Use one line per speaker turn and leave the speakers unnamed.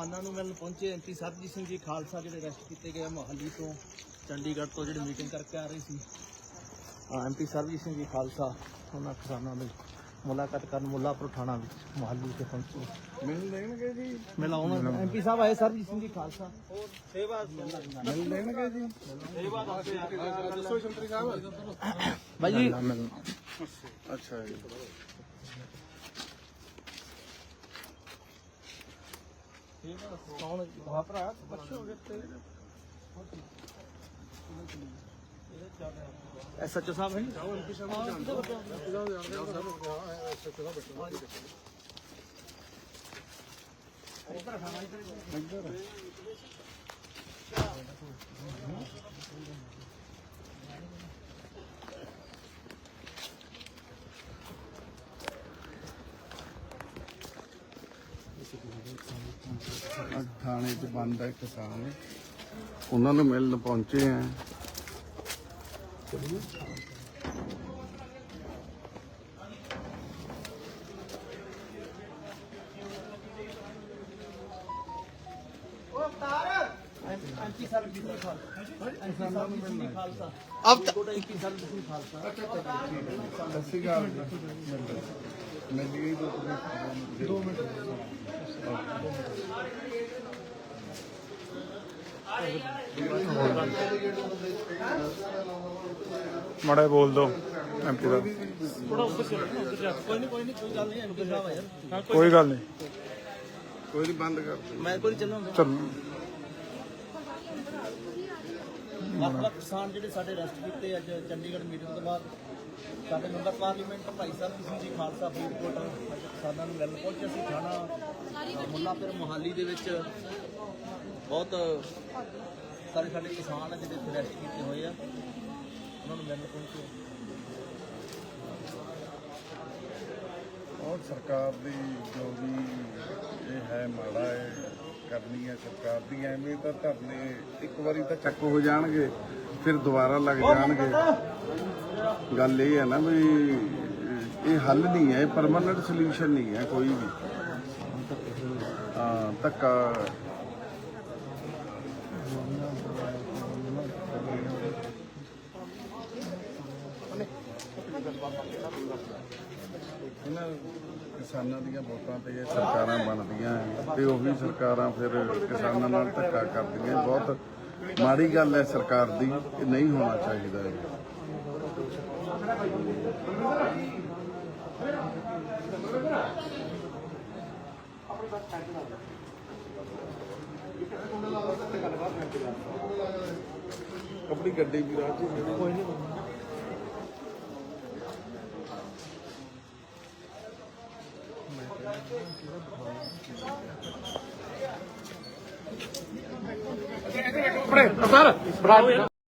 ਕਿਸਾਨਾਂ ਨੂੰ ਮਿਲਣ ਪਹੁੰਚੇ ਐਮਪੀ ਸਰਬਜੀਤ ਸਿੰਘ ਜੀ ਖਾਲਸਾ ਜਿਹੜੇ ਅਰੈਸਟ ਕੀਤੇ ਗਏ ਮੋਹਾਲੀ ਤੋਂ ਚੰਡੀਗੜ੍ਹ ਤੋਂ ਜਿਹੜੇ ਮੀਟਿੰਗ ਕਰਕੇ ਆ ਰਹੇ ਸੀ। ਐਮਪੀ ਸਰਬਜੀਤ ਸਿੰਘ ਜੀ ਖਾਲਸਾ ਉਹਨਾਂ ਕਿਸਾਨਾਂ ਦੀ ਮੁਲਾਕਾਤ ਕਰਨ ਮੁੱਲਾਪੁਰ ਥਾਣਾ ਵਿੱਚ ਮੋਹਾਲੀ ਤੇ ਪਹੁੰਚੇ।
ਮਿਲ ਲੈਣਗੇ ਜੀ,
ਮਿਲਾਉਣਾ ਐਮਪੀ ਸਾਹਿਬ ਆਏ ਸਰਬਜੀਤ ਸਿੰਘ ਜੀ ਖਾਲਸਾ
ਸੇਵਾ ਮਿਲ ਲੈਣਗੇ ਜੀ। ਸੇਵਾ ਦੱਸੋ ਸ਼ੰਤਰੀ ਸਾਹਿਬ
ਭਾਈ ਜੀ।
ਅੱਛਾ ਜੀ,
ਕੌਣ ਭਰਾ ਪੁੱਛੋਗੇ ਤੇ ਐਸਐਚਓ ਸਾਹਿਬ ਹੈ ਐਮਪੀ ਸਾਹਿਬ
ਥਾਣੇ 'ਚ ਬੰਦ ਹੈ ਕਿਸਾਨ, ਉਹਨਾਂ ਨੂੰ ਮਿਲਣ ਪਹੁੰਚੇ ਆ।
ਐਮਪੀ ਸਰਬਜੀਤ ਸਿੰਘ ਖਾਲਸਾ
ਅਬ
ਐਮਪੀ ਸਰਬਜੀਤ ਸਿੰਘ ਖਾਲਸਾ
ਸਤਿ ਸ਼੍ਰੀ ਅਕਾਲ ਮਿਲ ਗਈ 2 ਮਿੰਟ।
ਮਾੜਾ ਬੋਲ ਦੋ ਐਮਪੀ ਦਾ।
ਥੋੜਾ ਉੱਪਰ ਚਲੋ, ਕੋਈ ਨਹੀਂ ਕੋਈ ਗੱਲ ਨਹੀਂ ਐਮਪੀ ਸਾਹਿਬ ਆ ਯਾਰ,
ਕੋਈ ਗੱਲ ਨਹੀਂ,
ਕੋਈ ਨਹੀਂ, ਬੰਦ ਕਰ ਦਿਓ।
ਮੈਂ ਕੋਈ ਚੱਲੂਗਾ।
ਚੱਲ
ਵੱਖ-ਵੱਖ ਕਿਸਾਨ ਜਿਹੜੇ ਸਾਡੇ ਅਰੈਸਟ ਕੀਤੇ ਅੱਜ ਚੰਡੀਗੜ੍ਹ ਮੀਟਿੰਗ ਤੋਂ ਬਾਅਦ ਸਾਡੇ ਮੈਂਬਰ ਪਾਰਲੀਮੈਂਟ ਭਾਈ ਸਰਬਜੀਤ ਸਿੰਘ ਜੀ ਖਾਲਸਾ ਫਰੀਦਕੋਟ ਕਿਸਾਨਾਂ ਨੂੰ ਮਿਲਣ ਪਹੁੰਚੇ ਸੀ। ਥਾਣਾ ਮੁੱਲਾਪੁਰ ਮੋਹਾਲੀ ਦੇ ਵਿੱਚ ਬਹੁਤ ਸਾਰੇ ਸਾਡੇ ਕਿਸਾਨ ਆ ਜਿਹੜੇ ਅਰੈਸਟ ਕੀਤੇ ਹੋਏ ਆ, ਉਹਨਾਂ ਨੂੰ ਮਿਲਣ ਪਹੁੰਚੇ।
ਔਰ ਸਰਕਾਰ ਦੀ ਜੋ ਵੀ ਇਹ ਹੈ ਮਾੜਾ ਹੈ ਕਰਨੀ ਹੈ ਸਰਕਾਰ ਦੀ, ਐਵੇਂ ਤਾਂ ਧਰਨੇ ਇੱਕ ਵਾਰੀ ਤਾਂ ਚੱਕ ਹੋ ਜਾਣਗੇ ਫਿਰ ਦੁਬਾਰਾ ਲੱਗ ਜਾਣਗੇ। ਗੱਲ ਇਹ ਹੈ ਨਾ ਵੀ ਇਹ ਹੱਲ ਨਹੀਂ ਹੈ, ਪਰਮਾਨੈਂਟ ਸੋਲੂਸ਼ਨ ਨਹੀਂ ਹੈ ਕੋਈ ਵੀ। ਹਾਂ, ਧੱਕਾ ਇਹਨਾਂ ਕਿਸਾਨਾਂ ਦੀਆਂ ਵੋਟਾਂ ਤੇ ਇਹ ਸਰਕਾਰਾਂ ਬਣਦੀਆਂ ਤੇ ਉਹੀ ਸਰਕਾਰਾਂ ਫਿਰ ਕਿਸਾਨਾਂ ਨਾਲ ਧੱਕਾ ਕਰਦੀਆਂ। ਬਹੁਤ ਮਾੜੀ ਗੱਲ ਹੈ ਸਰਕਾਰ ਦੀ, ਇਹ ਨਹੀਂ ਹੋਣਾ ਚਾਹੀਦਾ ਹੈ। ਆਪਣੀ ਗੱਡੀ ਵੀ ਰਾਹ 'ਚ ਕੋਈ ਨਹੀਂ
ਸਰ